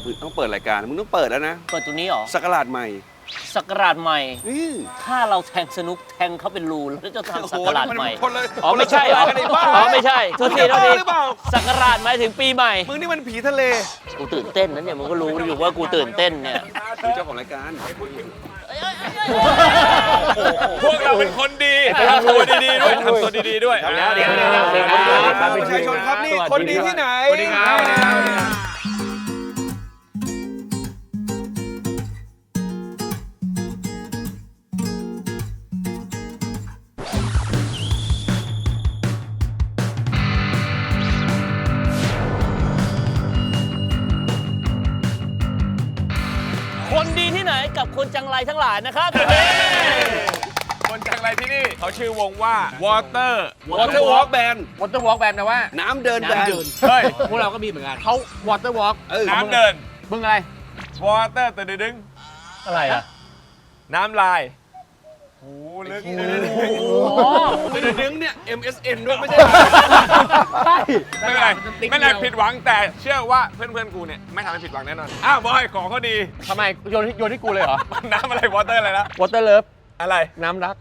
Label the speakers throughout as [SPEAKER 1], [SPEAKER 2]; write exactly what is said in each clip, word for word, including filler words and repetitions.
[SPEAKER 1] ต้องเปิดรายการมึงต้องเปิดแล้วนะ
[SPEAKER 2] เปิดตัวนี้เหรอ
[SPEAKER 1] สักราชใหม่
[SPEAKER 2] สักราชใหม่
[SPEAKER 1] อือ
[SPEAKER 2] ถ้าเราแทงสนุกแทงเขาเป็นรูแล้วจะทำสักราชใหม่
[SPEAKER 1] คนเลย
[SPEAKER 2] อ๋อไม่ใช่เหรออ๋อไม่ใช่โทษทีโทษทีสักราชหมายถึงปีใหม่
[SPEAKER 1] มึงนี่มันผีทะเล
[SPEAKER 2] กูตื่นเต้นนะเนี่ยมึงก็รู้อยู่ว่ากูตื่นเต้นเนี่ย
[SPEAKER 1] คือเจ้าของรายการ
[SPEAKER 3] พวกเราเป็นคนดีทำตัวดีๆด้วยทำตัวดีๆด้วย
[SPEAKER 1] เดี๋ยวเดี๋ยวเดี๋ยวเดี๋ยวประชาชนครับนี่คนดีที่ไหนสวัสดีครับ
[SPEAKER 2] คนดีที่ไหนกับคนจังไรทั้งหลายนะครับ
[SPEAKER 3] คนจังไรที่นี่เขาชื่อวงว่า Water
[SPEAKER 1] Water Walk Band
[SPEAKER 4] Water Walk Band แปลว่า
[SPEAKER 1] น้ำเดินแบน
[SPEAKER 3] เฮ้ย
[SPEAKER 4] พวกเราก็มีเหมือนกันเขา Water Walk
[SPEAKER 3] น้ำเดิน
[SPEAKER 4] มึงอะไร
[SPEAKER 3] Water ตื่นดึง
[SPEAKER 2] อะไรอ่ะ
[SPEAKER 3] น้ำลายโอ้ลึก
[SPEAKER 1] เป็นดึงเนี่ย เอ็ม เอส เอ็น ด้วยไม่ใช่
[SPEAKER 4] ใช่
[SPEAKER 3] ไม่เป็นไรไม่เป็นไรผิดหวังแต่เชื่อว่าเพื่อนๆกูเนี่ยไม่ทำให้ผิดหวังแน่นอนอ้าวบอยของเขาดี
[SPEAKER 4] ทำไมโยนโยนที่กูเลยเหรอ
[SPEAKER 3] น้ำอะไร Water อะไรนะ
[SPEAKER 4] Water Love
[SPEAKER 3] อะไร
[SPEAKER 4] น้ำรัก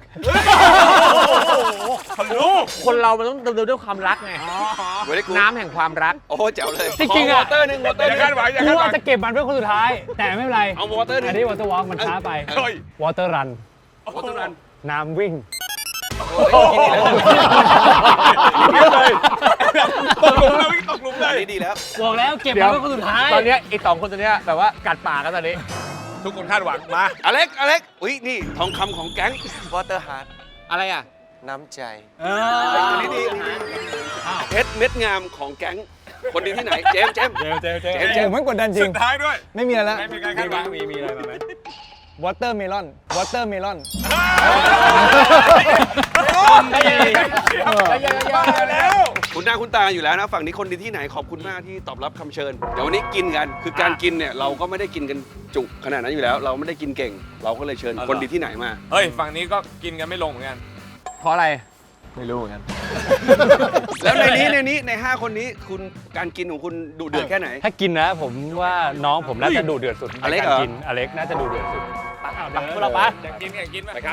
[SPEAKER 3] เขารู้
[SPEAKER 4] คนเรามันต้องดำเนินด้วยความรักไง น้ำแห่งความรัก
[SPEAKER 1] โอ้โหแจ๋วเลย
[SPEAKER 5] จริงๆ
[SPEAKER 1] วอ
[SPEAKER 5] อะ
[SPEAKER 1] เตอร์หนึ่งวอเตอร์
[SPEAKER 3] อย่าคาดหวังอย่า
[SPEAKER 5] กู
[SPEAKER 3] คาดหวั
[SPEAKER 5] ว่าง จะเก็บมันเพื่อคนสุดท้าย แต่ไม่เป็นไร
[SPEAKER 1] เอาวอเตอร์หนึ่
[SPEAKER 5] อั
[SPEAKER 1] ง
[SPEAKER 5] นนี้ Water Walk มันช้าไป
[SPEAKER 3] เฮ้ย
[SPEAKER 5] Water Run
[SPEAKER 1] วอเตอร์รัน
[SPEAKER 5] น้ำวิ่ง
[SPEAKER 3] เลยตกหลุมเลยตกหลุมเลย
[SPEAKER 1] นี่ดีแล้ว
[SPEAKER 5] บอกแล้วเก็บ
[SPEAKER 4] เดี๋
[SPEAKER 5] มั
[SPEAKER 4] ยว
[SPEAKER 5] นเพื่อคนสุดท้าย
[SPEAKER 4] ตอนเนี้ยไอ้สองคนตัวเนี้ยแบบว่ากัดปากกันตอนนี้
[SPEAKER 3] ทุกคนคาดหวังมา
[SPEAKER 1] อเล็ก อเล็ก อุ้ย นี่ทองคำของแก๊งวอเตอร์ฮาร์ด
[SPEAKER 4] อะไรอ่ะ
[SPEAKER 1] น้ำใจ
[SPEAKER 5] เอ
[SPEAKER 1] อันนี้ดีเพชรเม็ดงามของแก๊ง คนดีที่ไหน เจมส์เจมส์
[SPEAKER 3] เจมเจมเจม
[SPEAKER 1] เจมส์
[SPEAKER 5] อผมไม่กดดันจริ
[SPEAKER 3] สุ
[SPEAKER 5] ง
[SPEAKER 3] ดท้ายด้วย
[SPEAKER 5] ไม่มีอะไรแล้ว
[SPEAKER 3] ไม่มีการคาดหวังมีมีอะไรมาไหม
[SPEAKER 5] Water Melon Water Melon
[SPEAKER 3] บ้าแล้ว
[SPEAKER 1] คุณหน้าคุณตาอยู่แล้วนะ ฝั่งนี้คนดีที่ไหนขอบคุณมากที่ตอบรับคำเชิญ เดี๋ยววันนี้กินกัน คือการกินเนี่ยเราก็ไม่ได้กินกันจุขนาดนั้นอยู่แล้ว เราไม่ได้กินเก่ง เราก็เลยเชิญคนดีที่ไหนมา
[SPEAKER 3] เฮ้ยฝั่งนี้ก็กินกันไม่ลงเหมือนกัน
[SPEAKER 4] เพราะอะไร
[SPEAKER 3] ไม่รู้เหมือนกัน
[SPEAKER 1] แล้วในนี้ในนี้ในห้าคนนี้คุณการกินของคุณดุเดือดแค่ไหน
[SPEAKER 5] ถ้ากินนะผมว่าน้องผมน่าจะดูเดือดสุด
[SPEAKER 1] อเล็ก
[SPEAKER 5] ใน
[SPEAKER 1] เหร
[SPEAKER 5] การ
[SPEAKER 1] อ
[SPEAKER 5] กินอเล็กน่าจะดูเดือดสุด
[SPEAKER 2] ไปพวกเราไป
[SPEAKER 3] อยากกินอยากกินไปครับ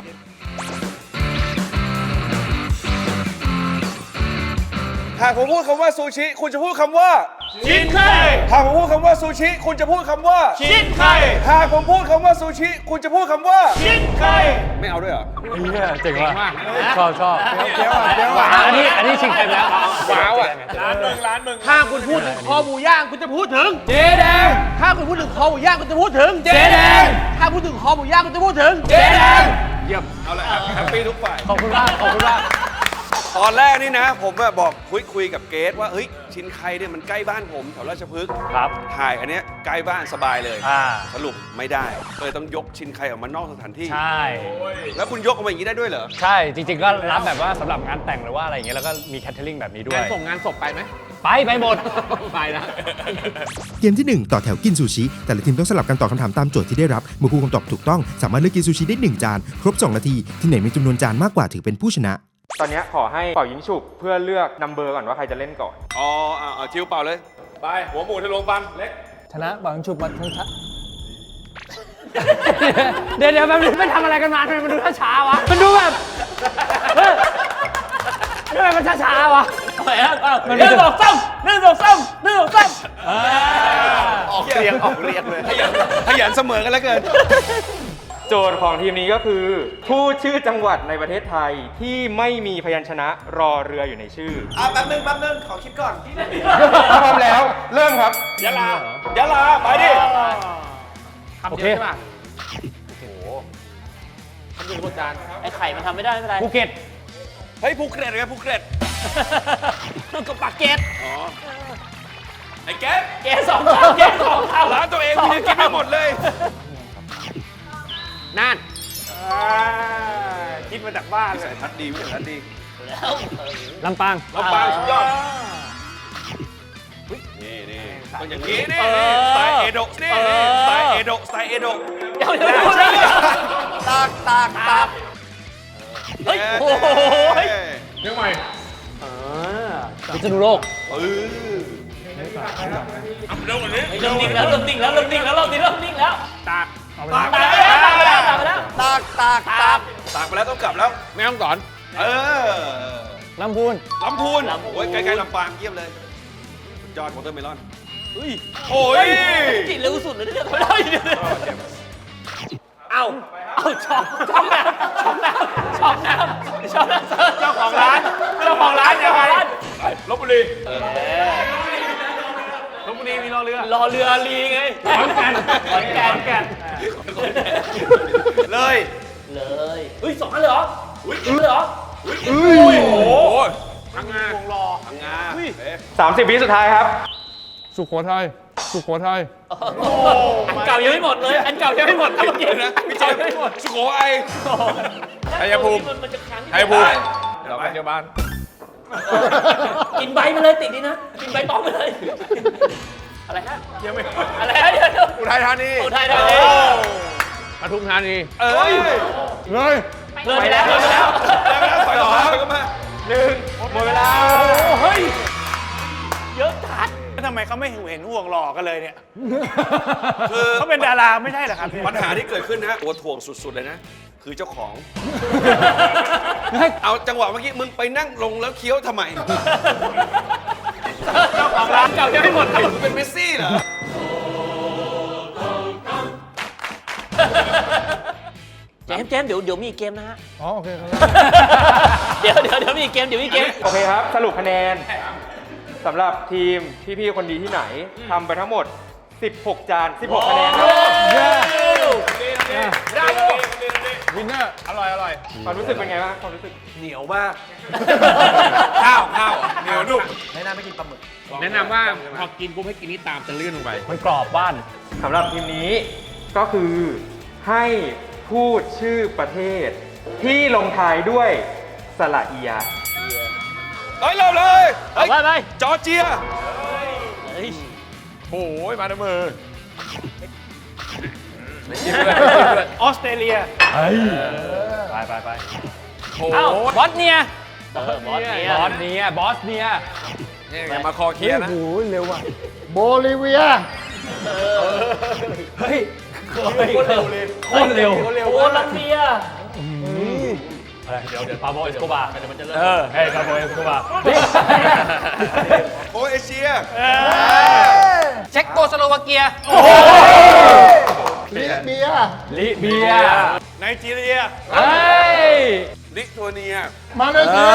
[SPEAKER 1] หากผมพูดคำว่าซูชิ คุณจะพูดคำว่า
[SPEAKER 3] ชินไข่
[SPEAKER 1] หากผมพูดคำว่าซูชิ คุณจะพูดคำว่า
[SPEAKER 3] ชินไข่
[SPEAKER 1] หากผมพูดคำว่าซูชิ คุณจะพูดคำว่า
[SPEAKER 3] ชินไข่
[SPEAKER 1] ไม่เอาด้วยเหรอ
[SPEAKER 5] เนี่ยเจ๋งว่ะชอบชอบ
[SPEAKER 3] เดี๋ยวเดี๋ยว
[SPEAKER 5] อันนี้อันนี้ชิงแชมป์แล้ว
[SPEAKER 4] ว้าวอ่ะ
[SPEAKER 3] ร้านมึงร้านมึง
[SPEAKER 4] ถ้าคุณพูดถึงคอหมูย่างคุณจะพูดถึง
[SPEAKER 5] เจ๊แดง
[SPEAKER 4] ถ้าคุณพูดถึงคอหมูย่างคุณจะพูดถึง
[SPEAKER 5] เจ๊แดง
[SPEAKER 4] ถ้าพูดถึงคอหมูย่างคุณจะพูดถึง
[SPEAKER 5] เจ๊แดง
[SPEAKER 4] เยี่ยม
[SPEAKER 1] เอาละครับแฮปปี้ทุกฝ่าย
[SPEAKER 5] ขอบคุณมากขอบคุณมาก
[SPEAKER 1] ตอนแรกนี่นะ ผมอะบอกคุยคุยกับเกสว่าเฮ้ยชินไคเนี่ยมันใกล้บ้านผมแถวราชพฤกษ์
[SPEAKER 5] ครับ
[SPEAKER 1] ถ่ายอันเนี้ยใกล้บ้านสบายเลย
[SPEAKER 5] อ่า
[SPEAKER 1] สรุปไม่ได้เลยต้องยกชินไคออกมานอกสถานที่
[SPEAKER 5] ใช่
[SPEAKER 1] แล้วคุณยกออกมาอย่างนี้ได้ด้วยเหรอ
[SPEAKER 5] ใช่จริงๆก็รับแบบว่าสำหรับงานแต่งหรือว่าอะไรอย่างเงี้ยแล้วก็มีแคทเทอริงแบบนี้ด้ว
[SPEAKER 4] งาย นส่งงานศพไปไหม
[SPEAKER 5] ไปไปหมด
[SPEAKER 4] ไปนะ
[SPEAKER 6] เกมที่ หนึ่ง ต่อแถวกินซูชิ แต่ละทีมต้องสลับกันตอบคำถามตามโจทย์ที่ได้รับ เมื่อผู้คำตอบถูกต้องสามารถเลือกกินซูชิได้หนึ่งจาน ครบ สอง นาที ที่ไหนมีจำนวนจานมากกว่าถือเป็นผู้ชนะ
[SPEAKER 7] ตอนนี้ขอให้เป่ายิงฉุบเพื่อเลือกนัมเบอร์ก่อนว่าใครจะเล่นก่อน
[SPEAKER 1] อ๋อเอาเอาทิวเป่าเลย
[SPEAKER 3] ไปหัวหมูทะลวงฟันเล็ก
[SPEAKER 5] ชนะบังชุบมาทั้งทัศเดี๋ยวเดี๋ยวแบบนี้ไม่ทำอะไรกันมาทำไมมันดูช้าๆวะ มันดูแบบเฮ้ยทำไมมันช้าๆวะ
[SPEAKER 2] ไปครับเอาหนึ่งสองสามหนึ่งสองสามหนึ่งสองสาม
[SPEAKER 1] ออกเรียงออกเรียงเลยขยันขยันเสมอกันแล้วเกิน
[SPEAKER 7] โจทย์ของทีมนี้ก็คือพูดชื่อจังหวัดในประเทศไทยที่ไม่มีพยัญชนะรอเรืออยู่ในชื่อ
[SPEAKER 1] อ่ะแป๊บนึงแป๊บนึงขอคิดก่อน
[SPEAKER 7] พร้อมแล้วเริ่มครับ
[SPEAKER 1] ยะลายะลาไปดิ
[SPEAKER 4] คำเดียวใช่ป่ะโอ้โหคำเดียวบนจาน
[SPEAKER 2] ไอ้ไข่มันทำไม่ได้ไม่เป็นไร
[SPEAKER 5] ภูเก็ต
[SPEAKER 1] เฮ้ยภูเก็ตไงภูเก็ต
[SPEAKER 2] ต้องกับปากเกต
[SPEAKER 1] อ๋อไอ้แก๊ส
[SPEAKER 2] เกตสองคำเกตสองคำ
[SPEAKER 1] ร้านตัวเองคุณยังกินไม่หมดเลย
[SPEAKER 4] น่าน
[SPEAKER 3] คิดมาจากบ้านเล
[SPEAKER 1] สาย ยทัดดีวิสัยทัศน์ดี
[SPEAKER 2] แล้ว
[SPEAKER 5] ลำปาง
[SPEAKER 1] ลำปางสุดยอดนี่นี่ต้องอย่างนี้นี่สายเอโดะนี่สายเอโดะสายเอโดะ
[SPEAKER 2] เดี๋ยวเดี๋ยวเดี๋ยวตากตากตากเฮ้ยโอ้โห
[SPEAKER 3] เรื่องใหม่
[SPEAKER 5] พิษณุโลก
[SPEAKER 1] เออ
[SPEAKER 3] เร็วกว่านี้
[SPEAKER 2] เริ่มนิ่งแล้วเริ่มนิ่งแล้วเริ่มนิ่งแล้วเริ่มนิ่งแล้วเริ่มนิ่งแล้ว
[SPEAKER 4] ตาก
[SPEAKER 2] ตากไปแล้วตากไปแล้วตากไปแล้ว
[SPEAKER 1] ตากตากตากตากไปแล้วต้องกลับแล้ว
[SPEAKER 3] ไม่ต้องสอน
[SPEAKER 1] เออ
[SPEAKER 5] ลำพูน
[SPEAKER 1] ลำพูนโอ้ยใกล้ๆลำปางเยี่ยมเลยสุดยอดวอเตอร์เมลอนโอ้ย
[SPEAKER 2] จิตเร็วสุดเลยเนี่ยทำไม่ได้เอ้าเอ้าช็อกช็อกน้ำช็อกน้ำช็อกน้ำช็อกน้ำเจ้าของร้านเจ้าของร้านยังไง
[SPEAKER 3] ลบบุรี
[SPEAKER 4] ลพบุรีมีรอเรือ
[SPEAKER 2] รอเรือลีไง
[SPEAKER 4] ขอนแก่น
[SPEAKER 2] ขอนแก่น
[SPEAKER 4] ขอนแก่น
[SPEAKER 1] เลย
[SPEAKER 2] เลยเฮ้ยสองอันเลยเหรออุ้ยเลยเหรอ
[SPEAKER 3] โอ้โหพังงา
[SPEAKER 1] พังงาเอ๊ะ
[SPEAKER 7] สามสิบวิสุดท้ายครับ
[SPEAKER 3] สุโขทัยสุโขทัย
[SPEAKER 2] อันเก่ายังไม่หมดเลย อันเก่ายังไม่หมดเมื่อกี้นะพี่เจมไม่หมด
[SPEAKER 1] สุโขไอ
[SPEAKER 3] ชัยภูมิ
[SPEAKER 2] มันจะค้าง
[SPEAKER 3] ชัยภูมิ
[SPEAKER 1] เดี๋ยวไป
[SPEAKER 3] เดี๋ยวบ้าน
[SPEAKER 2] กินใบมาเลยติดนี่นะ กินใบตองไปเลย อะไรฮะ
[SPEAKER 3] ยังไม่
[SPEAKER 2] อะไรฮะเดี๋ยวเดี๋ยว
[SPEAKER 3] อุทัยธานี
[SPEAKER 2] อุทัยธานี
[SPEAKER 3] ปทุมธานี
[SPEAKER 1] เอ้ย
[SPEAKER 3] เลย
[SPEAKER 2] เลิกไปแล้วเลิกไปแล้ว
[SPEAKER 1] ไปต่อไปก็มา
[SPEAKER 7] หนึ่งหมดเวลา
[SPEAKER 2] เยอะจัด
[SPEAKER 4] ทำไมเขาไม่เห็นห่วงหล่อกันเลยเนี่ย
[SPEAKER 1] คือ
[SPEAKER 4] เขาเป็นดาราไม่ใช่เหรอครับ
[SPEAKER 1] ปัญหาที่เกิดขึ้นนะตัวถ่วงสุดๆเลยนะ คือเจ้าของ เอาจังหวะเมื่อกี้มึงไปนั่งลงแล้วเคี้ยวทำไม
[SPEAKER 2] เจ้าของร้านเก่ายังไม่หมด
[SPEAKER 1] มึงเป็นเมสซี่เหรอ
[SPEAKER 2] เจมส์เจมส์เดี๋ยวเดี๋ยวมีอีกเกมนะฮะ
[SPEAKER 3] อ๋อโอเคครับ
[SPEAKER 2] เดี๋ยวเดี๋ยวเดี๋ยวมีอีกเกมเดี๋ยวมีอีกเกม
[SPEAKER 7] โอเคครับ สรุปคะแนนสำหรับทีมพี่ๆคนดีที่ไหนทำไปทั้งหมด สิบหก จาน สิบหก คะแนนครับ
[SPEAKER 3] วินเนอร์อร่อยอร่อย
[SPEAKER 7] ความรู้สึกเป็นไงบ้างความรู้สึก
[SPEAKER 1] เหนียวมาก
[SPEAKER 3] ข้าวข้าวเหนียวนุ่ม
[SPEAKER 4] แนะนำไม่กินปลาหมึก
[SPEAKER 3] แนะนำว่าพอกินปุ๊บให้กินนี่ตามจะลื่นลงไป
[SPEAKER 5] มันกรอบบ้าน
[SPEAKER 7] สำหรับทีมนี้ก็คือให้พูดชื่อประเทศ ที่ลงท้ายด้วยสระเอีย
[SPEAKER 1] เฮ้ยเริ่มเลยเฮ้ย
[SPEAKER 2] ไปไป
[SPEAKER 1] จอร์เจีย
[SPEAKER 2] เฮ้ย
[SPEAKER 3] โอ้ยมาในมือ
[SPEAKER 4] ออสเตรเลีย
[SPEAKER 5] ไปไปไป
[SPEAKER 3] โอ้
[SPEAKER 2] เอ้า
[SPEAKER 3] โห
[SPEAKER 2] บอสเนียเออบอสเนีย
[SPEAKER 5] บอสเนียบอสเนีย
[SPEAKER 3] นี่อย่ามาคอเคลียร์นะ
[SPEAKER 5] โบลิเวีย เฮ้ยโคตรเร็วเลยโคตรเร็ว
[SPEAKER 2] โคลัมเบีย
[SPEAKER 5] อะไรเดี๋ยวเดี๋ยวปาโบเอสโกบาร์
[SPEAKER 2] เดี๋ยวมันจะเริ่ม
[SPEAKER 5] เออเฮ้ยปาโบเอสโกบาร์
[SPEAKER 1] โอเอเชีย
[SPEAKER 2] เช็กโกสโลวาเกีย
[SPEAKER 5] ลิเบีย
[SPEAKER 4] ไนจีเรีย
[SPEAKER 5] เฮ้ย
[SPEAKER 1] ลิทัวเนีย
[SPEAKER 5] มาเลเซีย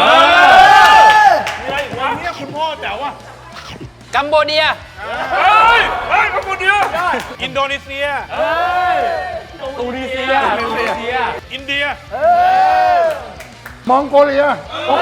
[SPEAKER 4] มีอะไรอีกวะเนี่ยคุณพ่อแจ๋วว่ะ
[SPEAKER 2] กัมโบเดีย
[SPEAKER 3] เฮ้ยเฮ้ยมาคนเดียว
[SPEAKER 4] อินโดนีเซีย
[SPEAKER 5] ตูนิเซียตูนิเซีย
[SPEAKER 4] อินเดีย
[SPEAKER 5] มองโกเลีย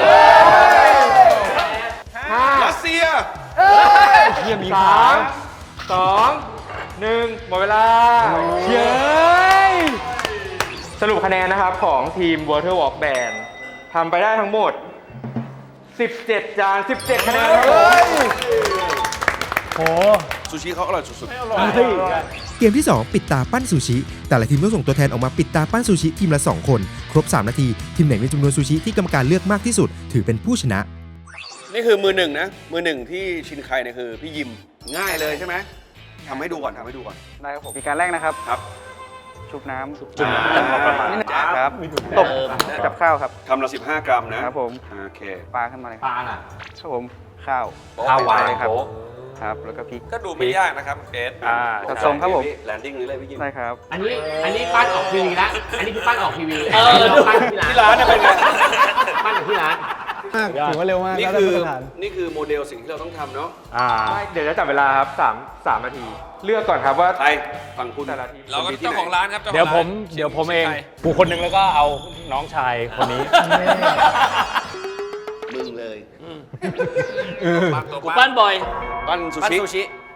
[SPEAKER 1] รัสเซีย
[SPEAKER 5] เยี่ยมี
[SPEAKER 7] สามสองหนึ่งหมดเวลา
[SPEAKER 5] เย้ย
[SPEAKER 7] สรุปคะแนนนะครับของทีม Water Walk Band ทำไปได้ทั้งหมด สิบเจ็ด จาน สิบเจ็ด คะแนนครับผม
[SPEAKER 5] โห
[SPEAKER 1] ซูชิเขาอร่อยสุด
[SPEAKER 6] เกมที่ สอง ปิดตาปั้นซูชิ แต่ละทีมต้องส่งตัวแทนออกมาปิดตาปั้นซูชิทีมละ สอง คน ครบ สาม นาที ทีมไหนมีจำนวนซูชิที่กรรมการเลือกมากที่สุด ถือเป็นผู้ชนะ
[SPEAKER 1] ๆ นี่คือมือหนึ่งนะ มือหนึ่งที่ชินไคเนี่ยคือพี่ยิม ง่ายเลยใช่ไหมทำให้ดูก่อนทำให้ดูก่อน
[SPEAKER 8] ได้ครับผมมีการแรกนะครับ
[SPEAKER 1] ครับ
[SPEAKER 8] ชุบน้ำ
[SPEAKER 1] จุ่มน้ำ
[SPEAKER 8] พอประมาณนิดนึงครับตบกับข้าวครับ
[SPEAKER 1] ทำละสิบห้ากรัมนะครับ
[SPEAKER 8] ผม
[SPEAKER 1] โอเค
[SPEAKER 8] ปลาขึ้นมาเลย
[SPEAKER 5] ปลาน่ะ
[SPEAKER 8] ครับผมข้าว
[SPEAKER 5] ข้าวหวาน
[SPEAKER 8] เลยครับครับ แล้วก็พริก
[SPEAKER 3] ก็ดูไม่ยากนะครับเอส
[SPEAKER 8] อ่าจัดทรงครับผม
[SPEAKER 1] แลนดิ้งนี้เลยพี่ยิม
[SPEAKER 8] ได้ครับ
[SPEAKER 5] อันนี้ อันนี้ปั้นออกทีวีละอันนี้คือปั้นออกทีวี
[SPEAKER 2] เออ
[SPEAKER 5] ปั้นที่
[SPEAKER 1] ที่
[SPEAKER 5] ร้า
[SPEAKER 1] ร้าน นนะเป็นไง
[SPEAKER 5] ปั้นอยู่ที่ร้าน
[SPEAKER 9] ถือว่าเร็วมาก
[SPEAKER 1] นี่
[SPEAKER 9] แล้วได้
[SPEAKER 1] คือ
[SPEAKER 9] มาตรฐาน
[SPEAKER 1] นี่คือโมเดลสิ่งที่เราต้องทำเนาะ
[SPEAKER 5] อ่า
[SPEAKER 7] ไม่เดี๋ยวจะจับเวลาครับสาม สาม นาที เลือกก่อนครับว่า
[SPEAKER 1] ใครฝั่งคุณ
[SPEAKER 7] แต่ละทีม
[SPEAKER 3] เราก็เจ้าของร้านครับ
[SPEAKER 5] เดี๋ยวผม เดี๋ยวผมเองกูคนหนึ่งแล้วก็เอาน้องชายคนนี้
[SPEAKER 1] มึงเลย
[SPEAKER 2] กูปั้นบ่อย
[SPEAKER 1] ปั้นซู
[SPEAKER 2] ปั้น
[SPEAKER 1] ชิ
[SPEAKER 2] ซูชิ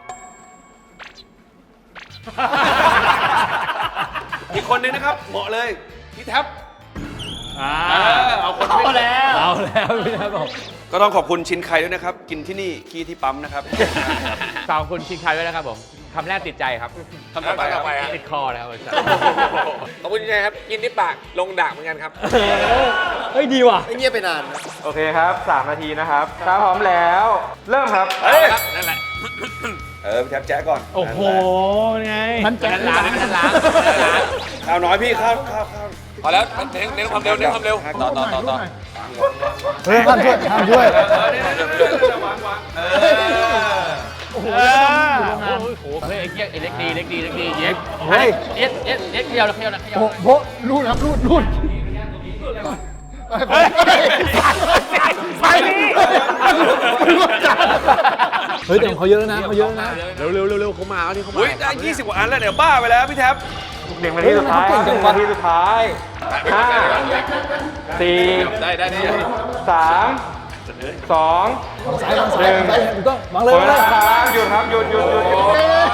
[SPEAKER 1] อีกคนนึงนะครับ เหมาะเลยพี่แท็บ
[SPEAKER 5] อ่า
[SPEAKER 1] เอาคน
[SPEAKER 2] เอาแล้ว
[SPEAKER 5] เอาแล้วพี่นะบอก
[SPEAKER 1] ก็ต้องขอบคุณชินไคด้วยนะครับ กินที่นี่ขี้ที่ปั๊มนะครับ
[SPEAKER 5] ขอบคุณชิงคายด้วยนะครับผมคำแรกติดใจครับ
[SPEAKER 1] ทำต่อไปครับ
[SPEAKER 5] ติดคอนะครับ
[SPEAKER 3] ขอบคุณยังไงครับ กินที่ปากลงดากเหมือนกันครับ
[SPEAKER 5] เฮ้ยดีว่ะ
[SPEAKER 8] ไม่เงียบไปนาน
[SPEAKER 7] โอเคครับ สาม นาทีนะครับถ้าพร้อมแล้ว เริ่มครับ
[SPEAKER 1] เฮ้ย
[SPEAKER 3] นั่นแหละ
[SPEAKER 1] เออพี่แท็บแจ๊ะก่อน
[SPEAKER 5] โอ้โหไง
[SPEAKER 4] มันแจ๊
[SPEAKER 2] ล้างนั่นล้างล้าง
[SPEAKER 1] ข้าวน้อยพี่ข้าวข้าวข้าว
[SPEAKER 3] พอแล้วเน้นเน้นความเร็วเน้นความเร็วต่อต่อต่อต่อ
[SPEAKER 4] เฮ้ยห้ามช่วยห้ามช่วย
[SPEAKER 1] เออเนี่ยเนี่ยวางวางเออ
[SPEAKER 5] โอ้โห
[SPEAKER 2] โอ้โหเฮ้ยเอ็กเอ็กดีเอ็กดีเอ็กดีเอ็ก
[SPEAKER 4] เฮ้ย
[SPEAKER 2] เอ็กเอ็กเอ็กเดียวแล้วเดียวแล้วเดียว
[SPEAKER 4] โอ้โหรูดครับรูดรูดไปไปนี่เฮ้ยแต่เขาเยอะแล้วนะเขาเยอะแล้วนะ
[SPEAKER 5] เร็วเร็วเร็วเร็วเขามาเอาที่เขามา
[SPEAKER 1] อุ้ยได้ยี่สิบกว่าอันแล้วเดี๋ยวบ้าไปแล้วพี่แท็บ
[SPEAKER 7] หนึ่งนาทีสุดท้ายหนึ่งนาทีสุดท้ายห้าสี่
[SPEAKER 3] ได้ได้ได้
[SPEAKER 7] สามสอง
[SPEAKER 4] ซ้ายซ้ายซ้ายถูกต้องวาง
[SPEAKER 7] ห
[SPEAKER 4] เลย
[SPEAKER 7] มด
[SPEAKER 4] วาง
[SPEAKER 7] เว
[SPEAKER 4] เล
[SPEAKER 7] ลาย ครับหยุดครับหยุดหยุดหยุดหยุด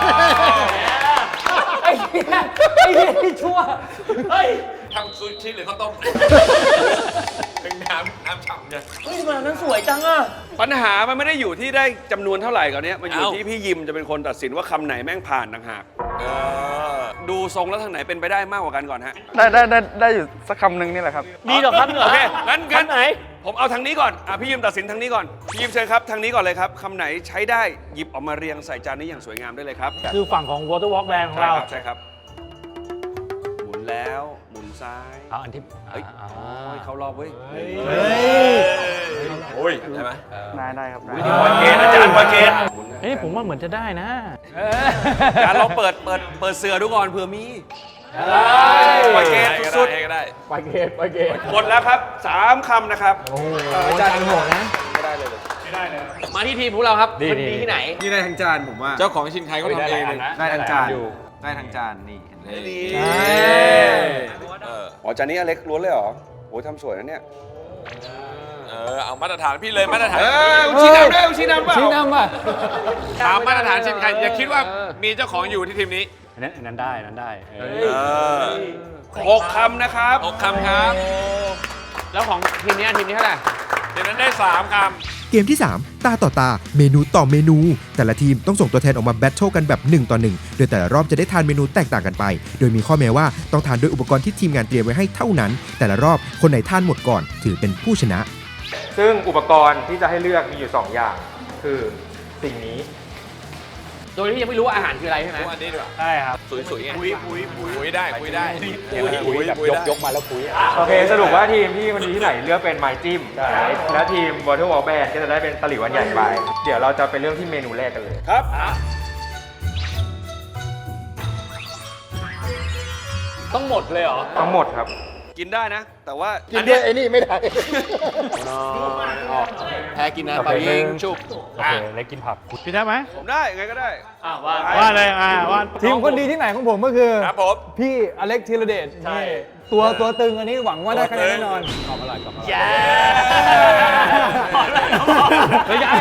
[SPEAKER 5] ไอ้เหี้ยไอ้เหี้ยที่ชั่วเฮ้ย
[SPEAKER 3] ทำซูชิหรือข้าวต้มเป็นน้ำน้ำฉ่ำเนี่ย
[SPEAKER 2] เฮ้ยมันนั้นสวยจังอ่ะ
[SPEAKER 1] ปัญหามันไม่ได้อยู่ที่ได้จำนวนเท่าไหร่ก่อนเนี้ยมันอยู่
[SPEAKER 3] เอ้า
[SPEAKER 1] ที่พี่ยิมจะเป็นคนตัดสินว่าคำไหนแม่งผ่านต่างหากดูทรงแล้วทางไหนเป็นไปได้มากกว่ากันก่อนฮะ
[SPEAKER 8] ได้ได้ได้ได้อยู่สักคำหนึ่งนี่แหละครับ
[SPEAKER 2] มีเหรอครับเหรอ
[SPEAKER 1] โอเคงั้นงั้น
[SPEAKER 2] ไหน
[SPEAKER 1] ผมเอาทางนี้ก่อนอ่ะพี่ยิมตัดสินทางนี้ก่อนพี่ยิมเชิญครับทางนี้ก่อนเลยครับคำไหนใช้ได้หยิบออกมาเรียงใส่จานนี้อย่างสวยงามได้เลยครับ
[SPEAKER 5] คือฝั่งของ Water Walk Band ของ
[SPEAKER 1] ใช่
[SPEAKER 5] เรา
[SPEAKER 1] ครับใช่ครับหมุนแล้วหมุนซ้าย
[SPEAKER 5] เอาอันที่
[SPEAKER 1] เฮ้ย
[SPEAKER 5] อ๋อ
[SPEAKER 1] โอ้ยเขารอบเว้ย
[SPEAKER 3] โอ้ยได้ไหม
[SPEAKER 8] ได้ได้ครับได้
[SPEAKER 1] ปล่อยเกณฑ์อาจารย์ปล่อยเกณฑ์
[SPEAKER 5] เอ้ยผมว่าเหมือนจะได้นะ
[SPEAKER 1] อาจารย์ลองเปิดเปิดเปิดเสือดูก่อนเผื่อมีปล่อยเกณฑ์สุด
[SPEAKER 3] ได้ก็ได้
[SPEAKER 4] ไปเกตไปเกต
[SPEAKER 1] ๆหมดแล้วครับสามคำนะครับ
[SPEAKER 4] โอ้โหอาจารย์โหดนะ
[SPEAKER 2] มาที่ทีมของเราครับคนดีที่ไหน
[SPEAKER 9] นี่ได้ทั้งจานผมว่า
[SPEAKER 3] เจ้าของชินไคเขาทำเองเลย
[SPEAKER 9] ได้ทั้งจานได้ทั้งจานนี่เห็นไหม
[SPEAKER 1] ดี
[SPEAKER 3] เออ
[SPEAKER 1] อ๋อจานนี้อเล็กล้วนเลยเหรอโอ้ยทำสวยนะเนี่ย
[SPEAKER 3] เออเอามาตรฐานพี่เลยมาตรฐาน
[SPEAKER 1] เออชี้นำด้วยชี้นำเปล่า
[SPEAKER 4] ชี้นำป่ะ
[SPEAKER 3] ตามมาตรฐานชินไคอย่าคิดว่ามีเจ้าของอยู่ที่ทีมนี้
[SPEAKER 5] อันนั้นอันนั้นได้อันนั้นได้เออ
[SPEAKER 3] เออ
[SPEAKER 1] หกคำนะครับ
[SPEAKER 3] หกคำครับ
[SPEAKER 2] แล้วของทีมนี้ทีมนี้เท่าไหร่
[SPEAKER 3] ทีมนั้นได้สามค
[SPEAKER 6] เกมที่ สาม ตาต่อตา เมนูต่อเมนู แต่ละทีมต้องส่งตัวแทนออกมาแบทเทิลกันแบบหนึ่งต่อหนึ่งโดยแต่ละรอบจะได้ทานเมนูแตกต่างกันไป โดยมีข้อแม้ว่าต้องทานด้วยอุปกรณ์ที่ทีมงานเตรียมไว้ให้เท่านั้น แต่ละรอบคนไหนทานหมดก่อนถือเป็นผู้ชนะ
[SPEAKER 7] ซึ่งอุปกรณ์ที่จะให้เลือกมีอยู่สองอย่าง คือสิ่งนี้
[SPEAKER 2] โดยที่ยังไม่รู้ว่าอาหารคืออะไรใช่ไหม
[SPEAKER 3] ำอันนี้ดีกว่า
[SPEAKER 5] ใช่ครับ
[SPEAKER 3] สวยๆไงคุยคุยคุยได้คุยได้
[SPEAKER 5] คุยแบบยกยกมาแล้วคุย
[SPEAKER 7] โอเค สรุปว่าทีมที่มันดีที่ไหนเลือกเป็นไม้จิ้ม และทีม Water Walk Band ก็จะได้เป็นตะหลิวอันใหญ่ไป เดี๋ยวเราจะไปเริ่มที่เมนูแรกกันเลย
[SPEAKER 1] ครับ
[SPEAKER 2] ต้องหมดเลยเหรอ
[SPEAKER 7] ทั้งหมดครับ
[SPEAKER 1] กินได้นะ แต่ว่า
[SPEAKER 4] กินด้วยไอ้นี่ไม่ได้
[SPEAKER 2] แพ้กินนะเปล่ายิงชุบ
[SPEAKER 5] โอเคเล็กกินผักพี่ได้ไหม
[SPEAKER 1] ผมได้ไงก็ได้
[SPEAKER 2] อ่าว่า
[SPEAKER 5] ว่าเลยอ่าว่า
[SPEAKER 4] ทีมคนดีที่ไหนของผมก็คือ
[SPEAKER 3] ครับผม
[SPEAKER 4] พี่อเล็กธีรเดชนี่ตัวตัวตึงอันนี้หวังว่าได้คะแนนแน่นอน
[SPEAKER 2] แย่
[SPEAKER 5] เฮ้ยไอ้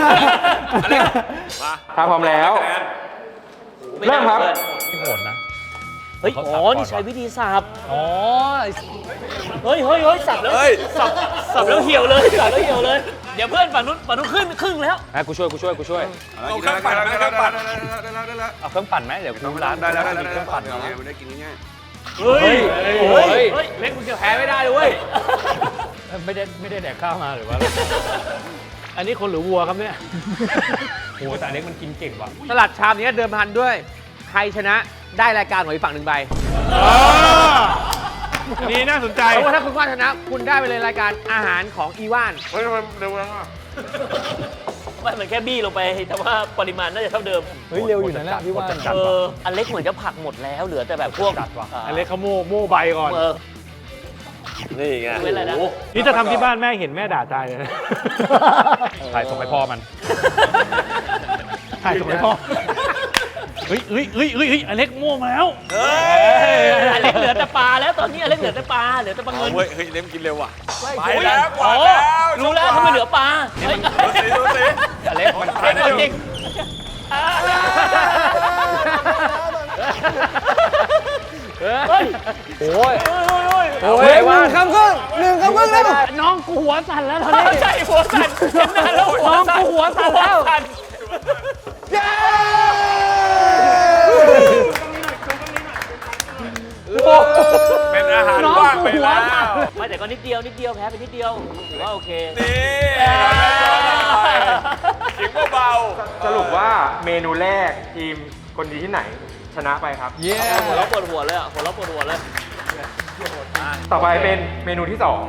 [SPEAKER 3] มา
[SPEAKER 7] ถ้าพร้อมแล้ว เริ่มครับ
[SPEAKER 5] โหดนะ
[SPEAKER 2] เฮ้ย อ๋อ นี่ใช้วิธีสับ อ๋อ เฮ้ยเฮ้ยเฮ้ยสับแล้ว
[SPEAKER 3] เฮ้ย
[SPEAKER 2] สับ สับแล้วเหี่ยวเลย สับแล้วเหี่ยวเลย เดี๋ยวเพื่อนฝั่งนู้นฝั่งนู้นขึ้นครึ่งแล้ว
[SPEAKER 5] อ่ะกูช่วยกูช่วยกูช่วย
[SPEAKER 3] เอาเครื่องปั่นไหมเครื่องปั่น
[SPEAKER 1] ได้แล้วได้แล้ว
[SPEAKER 5] เอาเครื่องปั่นไหมเดี๋ยวกูร้าน
[SPEAKER 1] ได้แล้วได้
[SPEAKER 5] มี
[SPEAKER 1] แล้ว
[SPEAKER 5] เครื่องปั่นเหรอ
[SPEAKER 1] ไม่ได้กินง่าย
[SPEAKER 2] เฮ้ย
[SPEAKER 5] โอ้ย
[SPEAKER 2] เฮ้ย เล็กมึงจะแพ้ไม่ได้เลยเว้ย
[SPEAKER 5] ไม่ได้ไม่ได้แดกข้าวมาหรือว่า อันนี้คนหรือวัวครับเนี่ยโอ้แต่เล็กมันกินเก่งว่ะ
[SPEAKER 2] สลัดชามนี้เดิมพันด้วย ใครชนะได้รายการของอีกฝั่งหนึ่งใบ
[SPEAKER 5] นี่น่าสนใจ
[SPEAKER 2] เพราะว่าถ้าคุณว่าชนะ คุณได้ไปเลยรายการอาหารของอีว่าน
[SPEAKER 3] เฮ้ยมันเร็วจังอ่ะ
[SPEAKER 10] ไม่เหมือนแค่บี้ลงไปแต่ว่าปริมาณน่าจะเท่าเดิม
[SPEAKER 4] เฮ้ยเร็วอยู่นะเนี่ยพี่ว่า
[SPEAKER 10] เอออันเล็กเหมือนจะผักหมดแล้วเหลือแต่แบบพวก
[SPEAKER 5] จัดว่ะ
[SPEAKER 10] า
[SPEAKER 5] อันเล็กเขาโม่โม่ใบก่อน
[SPEAKER 10] เออ
[SPEAKER 3] นี่ไง
[SPEAKER 10] ไม่เป็นไรนะ
[SPEAKER 5] นี่จะทำที่บ้านแม่เห็นแม่ด่าตายเลยนะถ่ายส่งให้พ่อมันถ่ายส่งให้พ่อเฮ้ยเฮ้ยเฮ้ยเฮ้ยเฮ้ยอเล็กโม่มาแล้ว
[SPEAKER 10] อันเล็กเหลือแต่ปลาแล้วตอนนี้อันเล็กเหลือแต่ปลาเหลือแต่ปลา
[SPEAKER 3] เอา
[SPEAKER 10] เงิน
[SPEAKER 3] เว้ยเฮ้ยเล่มกินเร็วว่ะ
[SPEAKER 10] ไป
[SPEAKER 3] ไปแล้วก
[SPEAKER 10] อ๋
[SPEAKER 3] วา
[SPEAKER 10] อ
[SPEAKER 3] ดแล้ว
[SPEAKER 10] รู้แล้วทำไมเหลือปลาเฮ้ย
[SPEAKER 3] ดูสิดูสิ
[SPEAKER 5] อเล็กมัน
[SPEAKER 10] เฮ้ยเอาจริง เฮ้ย
[SPEAKER 5] โอ้ย
[SPEAKER 4] โอ้ยหนึ่งคำครึ่งหนึ่งคำครึ่งแล้ว
[SPEAKER 5] น้องกูหัวสั่นแล้วตอนนี้
[SPEAKER 10] ใช่หัวสั่นเห็นหน้าแล้วหัว
[SPEAKER 5] น้อง
[SPEAKER 10] สั่น
[SPEAKER 5] กูหัวสั่นแล้ว
[SPEAKER 10] สั่น
[SPEAKER 3] เป็นอาหารว่างไปแล้ว
[SPEAKER 10] ไม่แต่ก็นิดเดียวนิดเดียวแพ้ไปนิดเดียวถือว่าโอเค
[SPEAKER 3] นี่ขิงเบา
[SPEAKER 7] สรุปว่าเมนูแรกทีมคนดีที่ไหนชนะไปครับ
[SPEAKER 5] เย้
[SPEAKER 10] หัวเราะปวดหัวเลยอ่ะหัวเราะปวดหัวเลย
[SPEAKER 7] ต่อไปเป็นเมนูที่สอง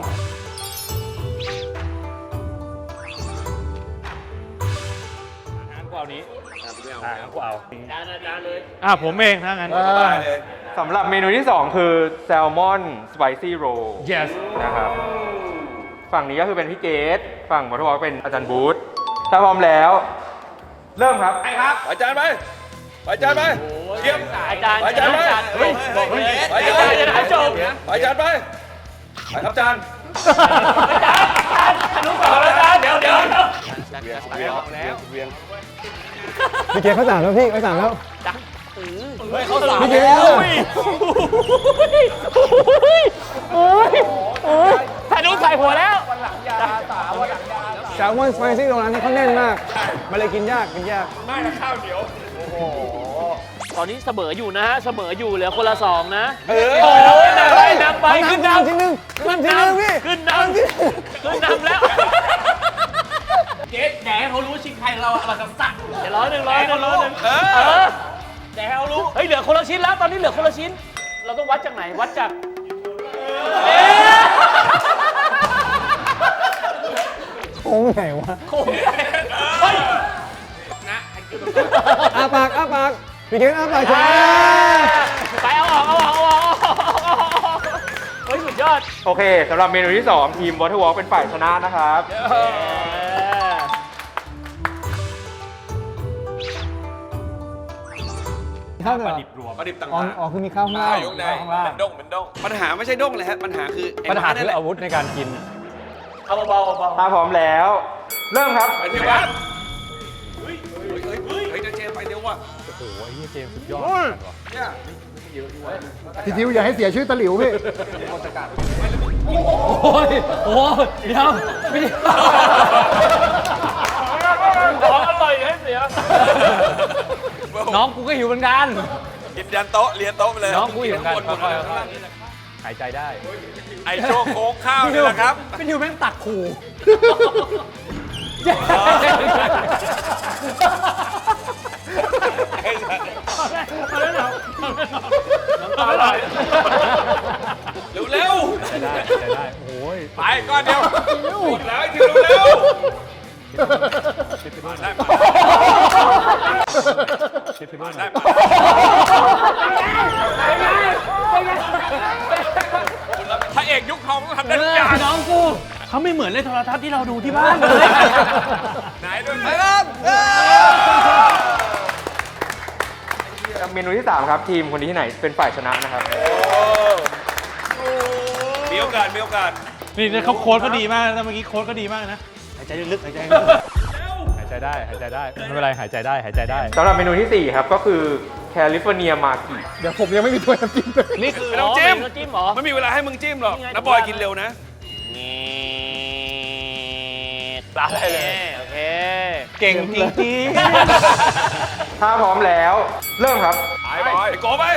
[SPEAKER 5] งั้นกูเอานี้อ่างั้นกูเอา
[SPEAKER 10] จานอาจารย์เลย
[SPEAKER 5] อ่ะผมเองถ้างั้น
[SPEAKER 7] สำหรับเมนูที่สองคือแซลมอนสไปซี่โร
[SPEAKER 5] yes
[SPEAKER 7] นะครับ ฝั่งนี้ก็คือเป็นพี่เกตฝั่งมอเตอร์วอล์กเป็นอาจารย์บูธถ้าพร้อมแล้ว เริ่มครับ
[SPEAKER 3] ไปครับ
[SPEAKER 1] ไปจานไปไปจานไปเยี่ยม
[SPEAKER 10] อาจารย์
[SPEAKER 1] ไปจานไป
[SPEAKER 10] อาจารย์เฮ้ยบอกเลย
[SPEAKER 1] ไป
[SPEAKER 10] อา
[SPEAKER 1] จาน
[SPEAKER 10] จารย์จะได้จบ
[SPEAKER 1] ไปจานไปไปครับจาน
[SPEAKER 10] อาจารย์อาจารย์อนุสาวรีย์อาจารย์เดี๋ยวเดี๋ยวเดี๋ยว
[SPEAKER 1] เวียงเวียงแล้วเวียง
[SPEAKER 5] พี่เกศเขาสั่งแล้วพี่เขาสั่งแล้ว
[SPEAKER 10] เฮ้ยเขาสาม
[SPEAKER 5] พี่เกศ
[SPEAKER 10] แล้วธนุใส่หัวแล้ว
[SPEAKER 5] แซลมอนสไปซี่ตรงนั้นนี่เขาแน่นมากมันเลยกินยากกินยาก
[SPEAKER 3] ไม่ละข้าวเหนียว
[SPEAKER 10] ตอนนี้เสมออยู่นะฮะเสมออยู่เหลือคนละสองนะ
[SPEAKER 1] เออ
[SPEAKER 10] โอ้ยนำไปนำไปขึ้นนำ
[SPEAKER 5] ทีนึงขึ้นทีนึงพี่
[SPEAKER 10] ขึ้นนำขึ้นนำแล้วเจ๊แหนเขารู้ชิงใครเราอะไรกับสักเดี๋ยวร้อยหนึ่งร้อยหนึ่งร้อยหนึ่งเออแหนเขารู้เฮ้ยเหลือคนละชิ้นแล้วตอนนี้เหลือคนละชิ้น เราต้องวัดจากไหนวัดจากเอ๊ะ
[SPEAKER 5] โค้งไหนวะ
[SPEAKER 10] โค้งเฮ้ย
[SPEAKER 5] อ้าปากอ้าปากพี่เกศอ้าปากใช่
[SPEAKER 10] ไปเอาออกเอาออกเอาออกเฮ้ยสุดยอด
[SPEAKER 7] โอเคสำหรับเมนูที่สองทีมวอเตอร์วอล์กเป็นฝ่ายชนะนะครับ
[SPEAKER 5] ข้าวเหนียว
[SPEAKER 1] ประดิบต่าง
[SPEAKER 5] อ๋อ
[SPEAKER 1] หาก
[SPEAKER 5] อ๋อคือมีข้าวข้างล่าง
[SPEAKER 3] ข้าวอยู่ข้างใน
[SPEAKER 5] ข้างล่าง
[SPEAKER 3] เป็นด้งเป็นด้ง
[SPEAKER 1] ปัญหาไม่ใช่ด้งเลยฮะปัญหาคือไอ้
[SPEAKER 5] ปัญหา
[SPEAKER 1] นี่
[SPEAKER 5] คือ
[SPEAKER 1] แหละ
[SPEAKER 5] อาวุธในการกิน
[SPEAKER 10] เอาเบาๆเบา
[SPEAKER 7] ถ้าพร้อมแล้ว เริ่มครับ
[SPEAKER 1] ไปเร็วว่ะเฮ้ยเฮ้ยเฮ้ยเฮ้ยเฮ้ยเจมไปเร็วว่ะ
[SPEAKER 5] โอ้โหไอ้เหี้ยเจมส์สุดยอด
[SPEAKER 1] เนี่ย
[SPEAKER 5] พี่ทิวอย่าให้เสียชื่อตะหลิวพี่โอ้ยโอ้ยเดี๋ยวไม่ได้
[SPEAKER 10] ของอร่อยให้เสีย
[SPEAKER 5] น้องกูก็หิวเหมือนกัน
[SPEAKER 3] กินยันโต๊ะเรียนโต๊ะไปเลย
[SPEAKER 5] น้องกูหิวเหมือนกันค่อยๆหายใจได้
[SPEAKER 3] ไอโชว์โค้งข้าวนี่แหละครับ
[SPEAKER 5] พี่ทิวแม่งตักขู่
[SPEAKER 1] เร็วเร็ว
[SPEAKER 5] ได้ได้โอ้ย
[SPEAKER 3] ไปก้อนเดียว
[SPEAKER 1] แล้วไอ้ทีเร็วเร็ว
[SPEAKER 3] ได้ปะได้ปะ พระเอกยุคทองต้องทำได้ทุกอย่าง
[SPEAKER 10] น้องกูเขาไม่เหมือนในโทรทัศน์ที่เราดูที่บ้านเลย
[SPEAKER 3] ไหนด้วย
[SPEAKER 1] ไปครับ
[SPEAKER 7] เมนูที่สามครับทีมคนดีที่ไหนเป็นฝ่ายชนะนะครับ
[SPEAKER 1] มีโอกาสมีโอกาส
[SPEAKER 5] นี่เขาโค้ดก็ดีมากนะเมื่อกี้โค้ดก็ดีมากนะหายใจลึกๆหายใจลึกหายใจได้หายใจได้ไม่เป็นไรหายใจได้หายใจได้
[SPEAKER 7] สำหรับเมนูที่สี่ครับก็คือแคลิฟอร์เนียมากิ
[SPEAKER 5] เดี๋ยวผมยังไม่มีถ้วยน้ำจิ้มเลย
[SPEAKER 10] นี่คือ
[SPEAKER 1] ไม่ต้องจิ้ม
[SPEAKER 10] น้ำจิ้มเหรอ
[SPEAKER 1] ไม่มีเวลาให้มึงจิ้มหรอก
[SPEAKER 10] นี่ไง
[SPEAKER 1] น้าบอยกินเร็วนะ
[SPEAKER 10] ปลาได้เลยโอเค
[SPEAKER 5] เก่งจริง
[SPEAKER 7] ถ้าพร้อมแล้ว เริ่มครับ
[SPEAKER 1] ไปบอยไปโกไป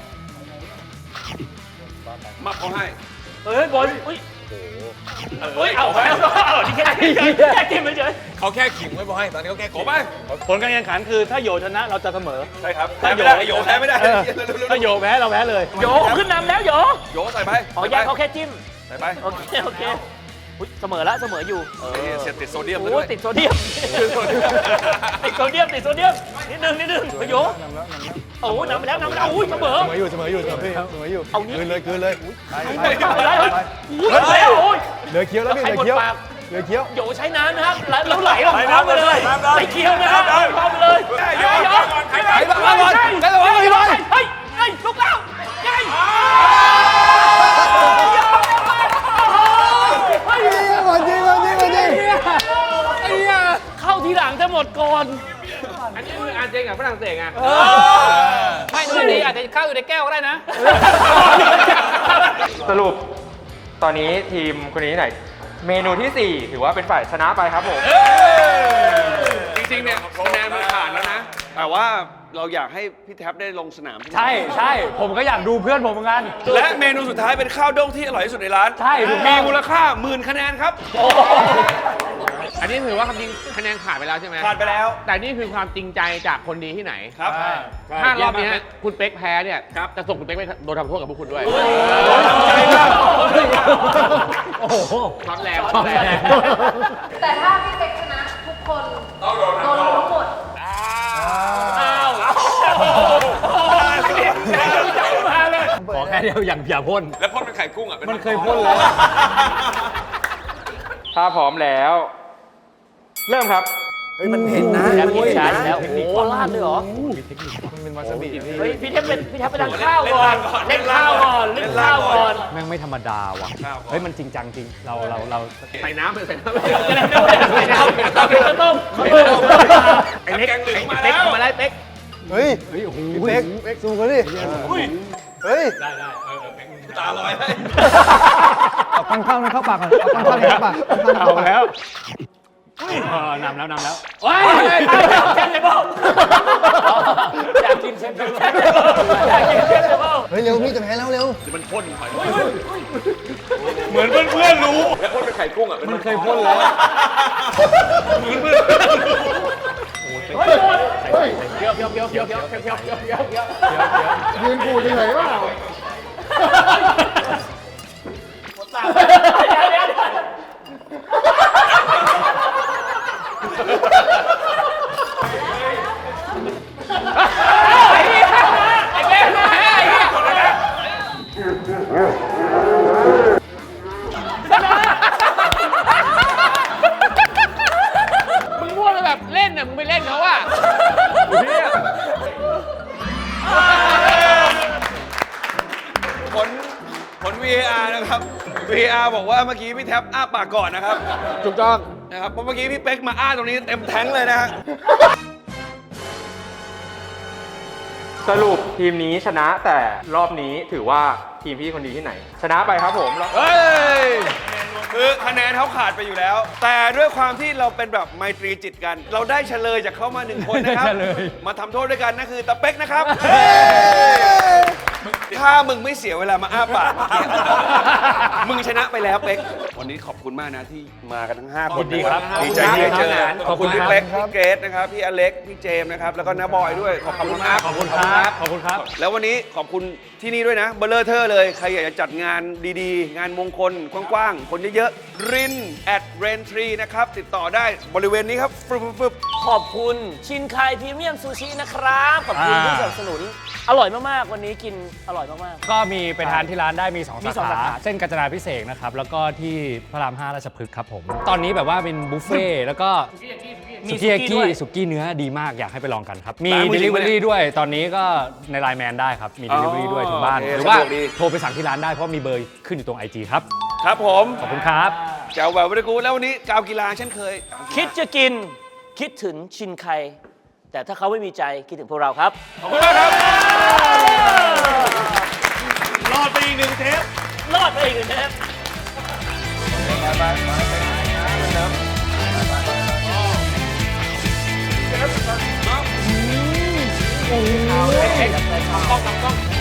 [SPEAKER 1] มาเขาให้
[SPEAKER 10] เฮ้ยบอลอุ้ยเฮ้ยเอาไปเอาที่แค่แค่จิ้มเฉย
[SPEAKER 3] เขาแค่ขิงไว้บอยตอนนี้เขาแค่
[SPEAKER 1] โก
[SPEAKER 3] ขิง
[SPEAKER 1] ไป
[SPEAKER 5] ผลการแข่งขันคือถ้าโยชนะเราจะเสมอ
[SPEAKER 1] ใช่ครับแพ้ไม่ได้โยแพ้ไม่ได้
[SPEAKER 5] ถ้าโยแพ้เราแพ้เลย
[SPEAKER 10] โยขึ้นนำแล้วโย
[SPEAKER 1] โยใส่ไป
[SPEAKER 10] อ๋อแยกเขาแค่จิ้ม
[SPEAKER 1] ใส่ไป
[SPEAKER 10] โอเคโอเคเสมอแล้วเสมออยู่เออ
[SPEAKER 1] เสียติดโซเดียม
[SPEAKER 10] โอ้
[SPEAKER 1] ด้วย
[SPEAKER 10] ติดโซเดียมติดโซเดียมติดโซเดียมนิดนึงนิดนึงโยโอ้นำไปแล้วนำไปแล้วอุ้ยเสมอ
[SPEAKER 5] เสมออยู่เสมออยู่เสมออยู่เสมออยู่
[SPEAKER 10] เอานี่
[SPEAKER 5] คืนเลยคืนเลยไป
[SPEAKER 10] ไป
[SPEAKER 5] ไป
[SPEAKER 10] ไป
[SPEAKER 5] ไป
[SPEAKER 10] ไป
[SPEAKER 5] ไป
[SPEAKER 10] อุ้ยแล้วโอ้ย
[SPEAKER 5] เหลือเคี้ยวแล้วพี่เหลือเคี้ยวเหลือเคี้ยว
[SPEAKER 10] โยใช้น้ำนะครับแล้วไหลออกมาไปเลยใส่เคี้ยวนะครับเข้าไปเลยโยโยใครไหลมาบอลใครไหลมาบอลเฮ้ยเฮ้ยลุกแล้วยัย
[SPEAKER 5] วันจริงวันจริงวันจริง
[SPEAKER 10] เข้าทีหลังจะหมดก่อน
[SPEAKER 2] อันนี้คืออาร์เจนกับฝรั่งเศสไง
[SPEAKER 10] เออ
[SPEAKER 2] ไม่ดูดีอาจจะเข้าอยู่ในแก้วก็ได้นะ
[SPEAKER 7] สรุปตอนนี้ทีมคนดีที่ไหน เมนูที่สี่ถือว่าเป็นฝ่ายชนะไปครับผม
[SPEAKER 1] จริงๆเนี่ยคะแนนมันขาดแล้วนะแต่ว่าเราอยากให้พี่แท็บได้ลงสนาม
[SPEAKER 5] ใช่ใช่ผมก็อยากดูเพื่อนผมเหมือนกัน
[SPEAKER 1] และเมนูสุดท้ายเป็นข้าวด้งที่อร่อยที่สุดในร้าน
[SPEAKER 5] ใช่ถูกต้อง
[SPEAKER 1] มีมูลค่าหมื่นคะแนนครับ
[SPEAKER 2] อันนี้ถือว่าคำจริงคะแนนขาดไปแล้วใช่ไหม
[SPEAKER 1] ผ่านไปแล้ว
[SPEAKER 2] แต่นี่คือความจริงใจจากคนดีที่ไหน
[SPEAKER 1] ครับ
[SPEAKER 2] ถ้ารอบนี้คุณเป๊กแพ้เนี่ยจะส่งคุณเป๊กไปโดนทำโทษกับพวกคุณด้วย
[SPEAKER 1] ทำใจมาก
[SPEAKER 5] โอ้โห
[SPEAKER 2] ความแรง
[SPEAKER 5] ความแรง
[SPEAKER 11] แต่ถ้าพี่เป๊กชนะทุกคนโดนทั้งหมด
[SPEAKER 5] ขอแค่เดียวอย่างอย่าพ่น
[SPEAKER 3] แล้วพ่นเป็นไข่กุ้งอ่ะ
[SPEAKER 5] มันเคยพ่นแล้ว
[SPEAKER 7] ถ้าพร้อมแล้ว เริ่มครับ
[SPEAKER 10] เฮ้ยมันเห็นนะแล้วมีชาร์จแล้ว โอ้โหลาดเลยเหรอ
[SPEAKER 4] มันเป็นวาซาบิ
[SPEAKER 10] เฮ้ย พี่เทพเป็นพี่เทพไปทานข้าวก่อน เล่นข้าวก่อน เล่นข้าวก่อน
[SPEAKER 5] แม่งไม่ธรรมดาว่ะ เฮ้ยมันจริงจังจริง เราเราเรา
[SPEAKER 2] ใส่น้ำไปใส่น้ำ
[SPEAKER 10] จะได้ไม่ได้ไม่ได้ข้าวต้มข้าวต้ม
[SPEAKER 2] ไอ้เล็กไอ้เป๊กมาแล้วเป๊ก
[SPEAKER 4] เฮ้ยพี่เป๊กซูมกันดิเฮ้ย
[SPEAKER 1] ตาลอยให้
[SPEAKER 4] เอาปังข้าวในเข้าปากก่อนเอาปังข้าวในเข้าปากปังข้าวใน
[SPEAKER 5] เอา
[SPEAKER 4] เข้าปาก
[SPEAKER 5] แล้วเออนำแล้วนำแล้ว
[SPEAKER 10] โอ้ยเชฟเลยพ่ออยากกินเชฟเลยอยากกินเชฟเลยพ่อ
[SPEAKER 4] เฮ้ยเร็วพี่จะแพ้แล้วเร็ว
[SPEAKER 1] เหมือนเพื่อนๆรู้
[SPEAKER 3] แล้วพ่นเป็นไข่กุ้งอ่ะ
[SPEAKER 5] มันเคยพ่นแล้ว
[SPEAKER 10] เฮ้ยหมด
[SPEAKER 2] เพียวเพียวเพียวเพียวเพียวเพียวเพียวเพียวเพียว
[SPEAKER 4] ยืนกูดเฉยๆว่า
[SPEAKER 2] มึงพูดแบบเล่นน่ะมึงไปเล่นเขาอ่ะ
[SPEAKER 1] ผลผล วี เอ อาร์ นะครับ วี เอ อาร์ บอกว่าเมื่อกี้พี่แท็บอ้าปากก่อนนะครับ
[SPEAKER 2] ถูกต้อง
[SPEAKER 1] นะครับ เพราะเมื่อกี้พี่เป๊กมาอ้าตรงนี้เต็มแท้งเลยนะฮะ
[SPEAKER 7] สรุปทีมนี้ชนะแต่รอบนี้ถือว่าทีมพี่คนดีที่ไหน ชนะไปครับผม
[SPEAKER 1] เฮ้ย คือคะแนนเขาขาดไปอยู่แล้ว แต่ด้วยความที่เราเป็นแบบไมตรีจิตกัน เราได้เฉลยจากเขามาหนึ่งคนนะครับ
[SPEAKER 5] เฉลย
[SPEAKER 1] มาทำโทษด้วยกันนั่นคือตะเป๊กนะครับ ถ้ามึงไม่เสียเวลามาอ้าปากเมื่อกี้มึงชนะไปแล้วเป๊ก วันนี้ขอบคุณมากนะที่มากันทั้งห้าคน
[SPEAKER 5] ยินดีครับ
[SPEAKER 1] ดีใจที่ได้เจอ
[SPEAKER 5] ขอบคุณ
[SPEAKER 1] พี่
[SPEAKER 5] ครับ
[SPEAKER 1] เป๊ก พี่เกรซนะครับ พี่อเล็ก พี่เจมส์นะครับ แล้วก็น้าบอยด้วย ขอบคุณมาก
[SPEAKER 5] ขอบคุณครับ ขอบคุณครับ
[SPEAKER 1] แล้ววันนี้ขอบคุณที่นี่ด้วยนะเบลเลอร์เทอร์เลย ใครอยากจะจัดงานดีๆ งานมงคลกว้างๆ คนเยอะๆ ริน at rain tree นะครับ ติดต่อได้บริเวณนี้ครับฟึบฟึบ
[SPEAKER 10] ขอบคุณชินไคพรีเมียมซูชินะครับ ขอบคุณที่สนับสนุน อร่อยมากๆ วันนี้กินอร่อยมาก
[SPEAKER 5] ก็มีไปทานที่ร้านได้มีสอง
[SPEAKER 10] มี
[SPEAKER 5] สา
[SPEAKER 10] สองสา
[SPEAKER 5] ขา
[SPEAKER 10] ขา
[SPEAKER 5] เส้นกาญจนาพิเศษกนะครับ แล้วก็ที่พระรามห้าราชพฤกษ์ครับผม ตอนนี้แบบว่าเป็นบุฟเฟ่ต์แล้วก็
[SPEAKER 10] ๆ
[SPEAKER 5] สุ
[SPEAKER 10] มี
[SPEAKER 5] กี้ยา
[SPEAKER 10] ด้
[SPEAKER 5] กิ
[SPEAKER 10] วย
[SPEAKER 5] สุกี้เนื้อดีมากอยากให้ไปลองกันครับ มี
[SPEAKER 1] ร้านมือถือ
[SPEAKER 5] Delivery ด้วย ตอนนี้ก็ในไลน์แมนได้ครับ มี Delivery ด้วยถึงบ้าน
[SPEAKER 1] โอเค
[SPEAKER 5] หรือว่า
[SPEAKER 1] สะดวกดี
[SPEAKER 5] โทรไปสั่งที่ร้านได้เพราะมีเบอร์ขึ้นอยู่ตรง ไอ จี ครับ
[SPEAKER 1] ครับผม
[SPEAKER 5] ขอบคุณครับ
[SPEAKER 1] แจ๋วแหววบริกูแล้ววันนี้กาวกีฬาเช่นเคย
[SPEAKER 10] คิดจะกินคิดถึงชินไค แต่ถ้าเขาไม่มีใจคิดถึงพวกเราครับ
[SPEAKER 1] ขอบคุณมากครับ
[SPEAKER 10] รอดไปอีกหนึ่งเทป รอดไปอีกหนึ่งเทป
[SPEAKER 2] กล้องกล้อง